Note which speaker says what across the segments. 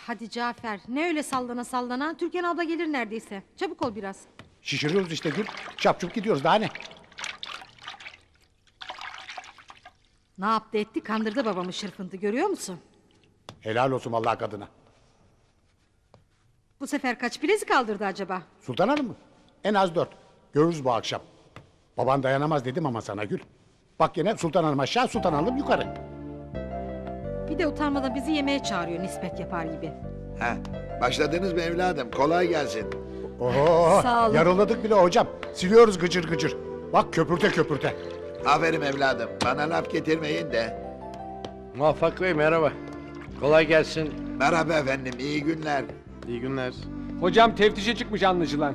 Speaker 1: hadi Cafer, ne öyle sallana sallana? Türkan abla gelir neredeyse. Çabuk ol biraz.
Speaker 2: Şişiriyoruz işte Gül. Çapçup gidiyoruz daha ne?
Speaker 1: Ne yaptı etti, kandırdı babamı şırfıntı, görüyor musun?
Speaker 2: Helal olsun vallahi kadına.
Speaker 1: Bu sefer kaç bilezik kaldırdı acaba?
Speaker 2: Sultan Hanım mı? En az 4. Görürüz bu akşam. Baban dayanamaz dedim ama sana Gül. Bak yine Sultan Hanım aşağı, Sultan Hanım yukarı.
Speaker 1: Bir de utanmadan bizi yemeğe çağırıyor nispet yapar gibi.
Speaker 3: Ha, başladınız mı evladım? Kolay gelsin.
Speaker 2: Oho,
Speaker 1: Sağ olun.
Speaker 2: yarıladık bile hocam. Siliyoruz gıcır gıcır. Bak köpürte köpürte.
Speaker 3: Aferin evladım. Bana laf getirmeyin de.
Speaker 4: Muvaffak Bey merhaba. Kolay gelsin.
Speaker 3: Merhaba efendim, iyi günler.
Speaker 4: İyi günler.
Speaker 5: Hocam teftişe çıkmış anlaşılan.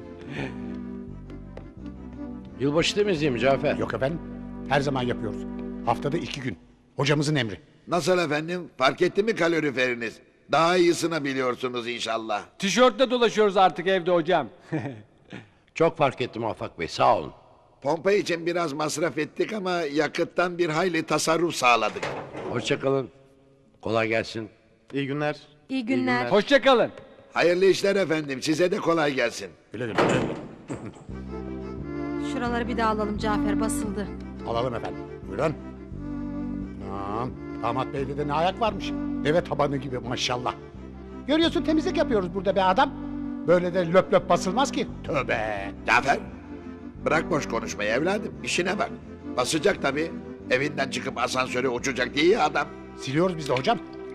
Speaker 4: Yılbaşı temizliği mi Cafer?
Speaker 2: Yok efendim, her zaman yapıyoruz. Haftada 2 gün. Hocamızın emri.
Speaker 3: Nasıl efendim? Fark etti mi kaloriferiniz? Daha iyisini biliyorsunuz inşallah.
Speaker 5: Tişörtle dolaşıyoruz artık evde hocam.
Speaker 4: Çok fark ettim Muvaffak Bey sağ olun.
Speaker 3: Pompa için biraz masraf ettik ama yakıttan bir hayli tasarruf sağladık.
Speaker 4: Hoşça kalın. Kolay gelsin. İyi günler.
Speaker 1: İyi günler.
Speaker 5: Hoşça kalın.
Speaker 3: Hayırlı işler efendim, size de kolay gelsin.
Speaker 2: Güle güle. güle güle.
Speaker 1: Şuraları bir daha alalım, Cafer basıldı.
Speaker 2: Alalım efendim. Buyurun. Tamam. Damat beyde de ne ayak varmış. Deve tabanı gibi maşallah. Görüyorsun temizlik yapıyoruz burada be adam. Böyle de löp löp basılmaz ki. Tövbe.
Speaker 3: Cafer, bırak boş konuşmayı evladım, işine bak. Basacak tabii. Evinden çıkıp asansöre uçacak diye ya adam.
Speaker 2: Siliyoruz biz de hocam.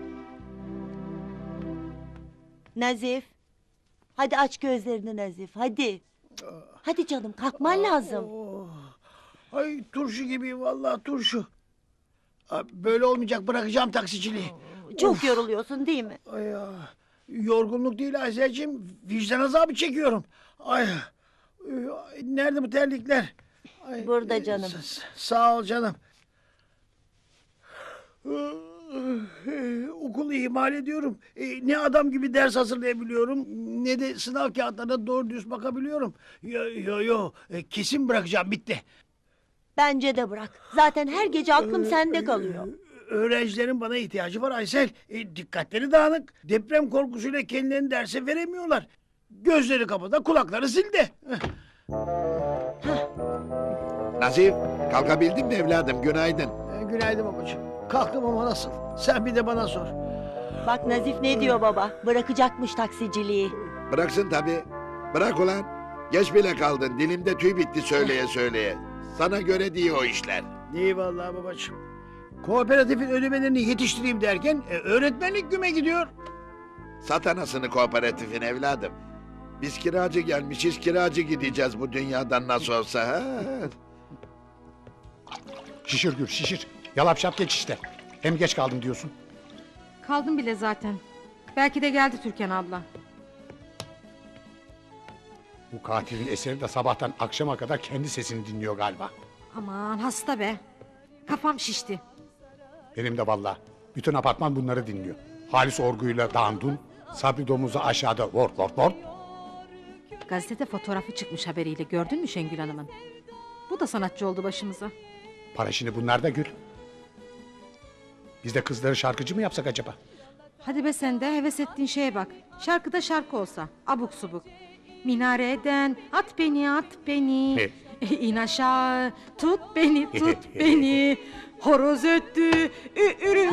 Speaker 6: Nazif. Hadi aç gözlerini Nazif hadi. Hadi canım kalkman lazım.
Speaker 7: Ay turşu gibi vallahi turşu. Böyle olmayacak, bırakacağım taksiciliği.
Speaker 6: Çok yoruluyorsun değil mi?
Speaker 7: Ay ya. Yorgunluk değil Aysel'cim, vicdan azabı çekiyorum. Ay. Nerede bu terlikler? Ay,
Speaker 6: Burada canım.
Speaker 7: Sağ ol canım. Okulu ihmal ediyorum. Ne adam gibi ders hazırlayabiliyorum, ne de sınav kağıtlarına doğru düz bakabiliyorum. Yo. Kesin bırakacağım, bitti.
Speaker 6: Bence de bırak. Zaten her gece aklım sende kalıyor.
Speaker 7: Öğrencilerin bana ihtiyacı var Aysel. Dikkatleri dağınık. Deprem korkusuyla kendilerini derse veremiyorlar. Gözleri kapıda, kulakları zilde.
Speaker 3: Nazif, kalkabildin mi evladım? Günaydın.
Speaker 7: Günaydın babacığım. Kalktım ama nasıl? Sen bir de bana sor.
Speaker 6: Bak Nazif ne diyor baba? Bırakacakmış taksiciliği.
Speaker 3: Bıraksın tabii. Bırak ulan. Geç bile kaldın. Dilimde tüy bitti söyleye söyleye. Sana göre değil o işler.
Speaker 7: İyi vallahi babacığım. Kooperatifin ödemelerini yetiştireyim derken öğretmenlik güme gidiyor.
Speaker 3: Sat anasını kooperatifin evladım. Biz kiracı gelmişiz, kiracı gideceğiz bu dünyadan nasıl olsa. Ha?
Speaker 2: Şişir Gül şişir. Yalap şap geç işte. Hem geç kaldım diyorsun.
Speaker 1: Kaldım bile zaten. Belki de geldi Türkan abla.
Speaker 2: Bu katilin eseri de sabahtan akşama kadar kendi sesini dinliyor galiba.
Speaker 1: Aman hasta be. Kafam şişti.
Speaker 2: Benim de vallahi. Bütün apartman bunları dinliyor. Halis Orgu'yla Dandun, Sabri Domuz'u aşağıda vort vort vort.
Speaker 1: Gazetede fotoğrafı çıkmış haberiyle, gördün mü Şengül Hanım'ın? Bu da sanatçı oldu başımıza.
Speaker 2: Para şimdi bunlar da Gül. Biz de kızları şarkıcı mı yapsak acaba?
Speaker 1: Hadi be sen de, heves ettiğin şeye bak. Şarkıda şarkı olsa, abuk subuk. Minareden at beni. İn aşağı, tut beni, tut beni. Horoz öttü, ürü.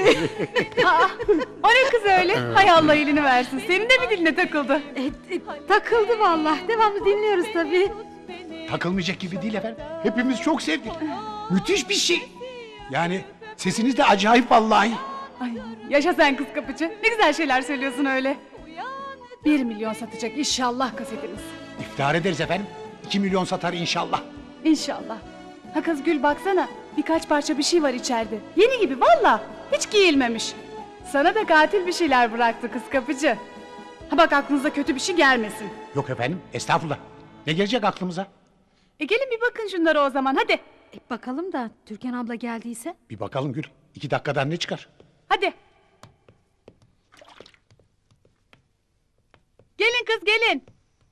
Speaker 8: O ne kız öyle? Hay Allah elini versin. Senin de mi diline takıldı?
Speaker 1: Takıldı vallahi. Devamlı dinliyoruz tabii.
Speaker 2: Takılmayacak gibi değil efendim. Hepimiz çok sevdik. Müthiş bir şey. Yani sesiniz de acayip vallahi.
Speaker 8: Ay, yaşa sen kız kapıcı. Ne güzel şeyler söylüyorsun öyle. 1 milyon satacak inşallah kasetimiz.
Speaker 2: İftihar ederiz efendim. 2 milyon satar inşallah.
Speaker 8: İnşallah. Ha kız Gül baksana. Birkaç parça bir şey var içeride. Yeni gibi valla. Hiç giyilmemiş. Sana da katil bir şeyler bıraktı kız kapıcı. Ha bak aklınıza kötü bir şey gelmesin.
Speaker 2: Yok efendim estağfurullah. Ne gelecek aklımıza?
Speaker 8: Gelin bir bakın şunlara o zaman hadi.
Speaker 1: Bakalım da Türkan abla geldiyse.
Speaker 2: Bir bakalım Gül. 2 dakikadan ne çıkar?
Speaker 8: Hadi. Gelin kız gelin.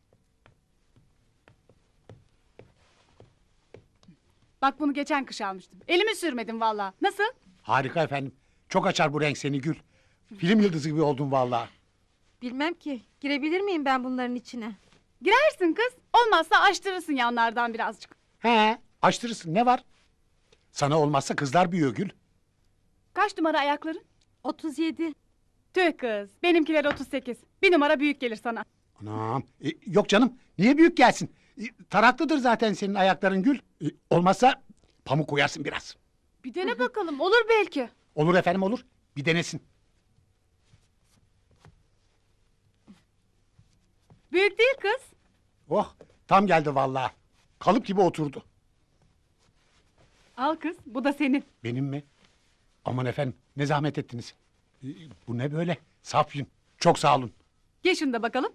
Speaker 8: Bak bunu geçen kış almıştım. Elimi sürmedim valla. Nasıl?
Speaker 2: Harika efendim. Çok açar bu renk seni Gül. Film yıldızı gibi oldun vallahi.
Speaker 1: Bilmem ki. Girebilir miyim ben bunların içine?
Speaker 8: Girersin kız. Olmazsa açtırırsın yanlardan birazcık.
Speaker 2: He, açtırırsın ne var? Sana olmazsa kızlar büyüyor Gül.
Speaker 8: Kaç numara ayakların?
Speaker 1: 37.
Speaker 8: Tüh kız. Benimkiler 38. Bir numara büyük gelir sana.
Speaker 2: Anam. Yok canım. Niye büyük gelsin? Taraklıdır zaten senin ayakların Gül. Olmazsa pamuk koyarsın biraz.
Speaker 8: Bir dene bakalım. Olur belki.
Speaker 2: Olur efendim olur. Bir denesin.
Speaker 8: Büyük değil kız.
Speaker 2: Oh tam geldi vallahi. Kalıp gibi oturdu.
Speaker 8: Al kız. Bu da senin.
Speaker 2: Benim mi? Aman efendim ne zahmet ettiniz. Bu ne böyle? Saf yün. Çok sağ olun.
Speaker 8: Giy şunu da bakalım.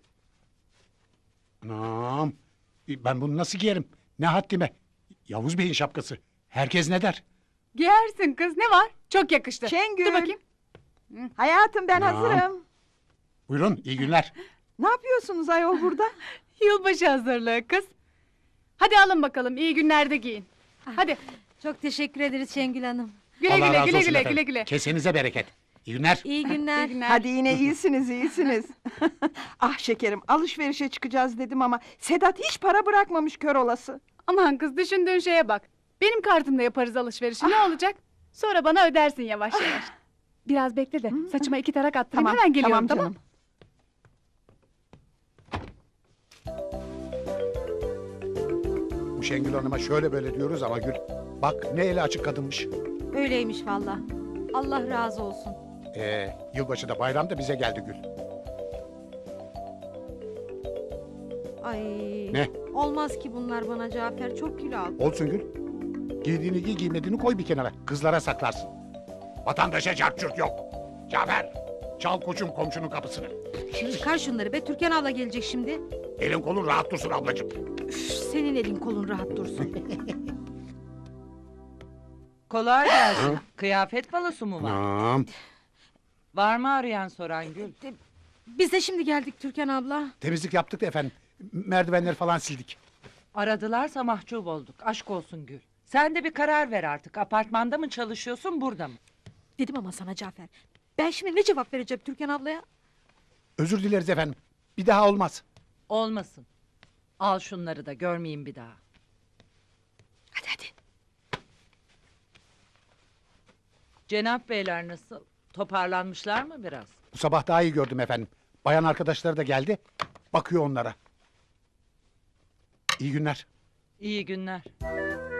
Speaker 2: Anam. Ben bunu nasıl giyerim? Ne haddime? Yavuz Bey'in şapkası. Herkes ne der?
Speaker 8: Giyersin kız. Ne var? Çok yakıştı.
Speaker 9: Şengül.
Speaker 8: Dur bakayım.
Speaker 9: Hayatım ben
Speaker 2: Anam.
Speaker 9: hazırım.
Speaker 2: Buyurun iyi günler.
Speaker 9: Ne yapıyorsunuz ayol burada?
Speaker 8: Yılbaşı hazırlığı kız. Hadi alın bakalım. İyi günlerde giyin. Hadi.
Speaker 1: Çok teşekkür ederiz Şengül Hanım.
Speaker 8: Güle
Speaker 2: Allah
Speaker 8: güle
Speaker 2: razı
Speaker 8: güle
Speaker 2: olsun
Speaker 8: güle
Speaker 2: efendim.
Speaker 8: güle güle.
Speaker 2: Kesenize bereket. İyi günler.
Speaker 1: İyi günler.
Speaker 8: İyi günler.
Speaker 9: Hadi yine iyisiniz iyisiniz. Ah şekerim alışverişe çıkacağız dedim ama Sedat hiç para bırakmamış kör olası.
Speaker 8: Aman kız düşündüğün şeye bak. Benim kartımla yaparız alışverişi. Ne olacak? Sonra bana ödersin yavaş yavaş. Biraz bekle de saçıma 2 tarak attırayım.
Speaker 9: Tamam
Speaker 8: Hemen geliyorum
Speaker 9: tamam
Speaker 8: tamam.
Speaker 9: canım.
Speaker 2: Bu Şengül Hanım'a şöyle böyle diyoruz ama Gül. Bak ne eli açık kadınmış.
Speaker 1: Öyleymiş valla. Allah razı olsun.
Speaker 2: Yılbaşı da bayram da bize geldi Gül.
Speaker 1: Ay.
Speaker 2: Ne?
Speaker 1: Olmaz ki bunlar bana Cafer. Çok kilo aldı.
Speaker 2: Olsun Gül. Giydiğini giy giymediğini koy bir kenara. Kızlara saklarsın. Vatandaşa çarçurt yok. Cafer çal koçum komşunun kapısını.
Speaker 1: Çıkar şunları be. Türkan abla gelecek şimdi.
Speaker 2: Elin kolun rahat dursun ablacığım.
Speaker 1: Üf, senin elin kolun rahat dursun.
Speaker 10: Kolay gelsin. Kıyafet balosu mu var?
Speaker 2: Anam.
Speaker 10: Var mı arayan soran Gül?
Speaker 1: Biz de şimdi geldik Türkan abla.
Speaker 2: Temizlik yaptık da efendim. Merdivenleri falan sildik.
Speaker 10: Aradılarsa mahcup olduk. Aşk olsun Gül. Sen de bir karar ver artık. Apartmanda mı çalışıyorsun burada mı?
Speaker 1: Dedim ama sana Cafer. Ben şimdi ne cevap vereceğim Türkan ablaya?
Speaker 2: Özür dileriz efendim. Bir daha olmaz.
Speaker 10: Olmasın. Al şunları da görmeyeyim bir daha.
Speaker 1: Hadi hadi.
Speaker 10: Cenap beyler nasıl? Toparlanmışlar mı biraz?
Speaker 2: Bu sabah daha iyi gördüm efendim. Bayan arkadaşları da geldi. Bakıyor onlara. İyi günler.
Speaker 10: İyi günler.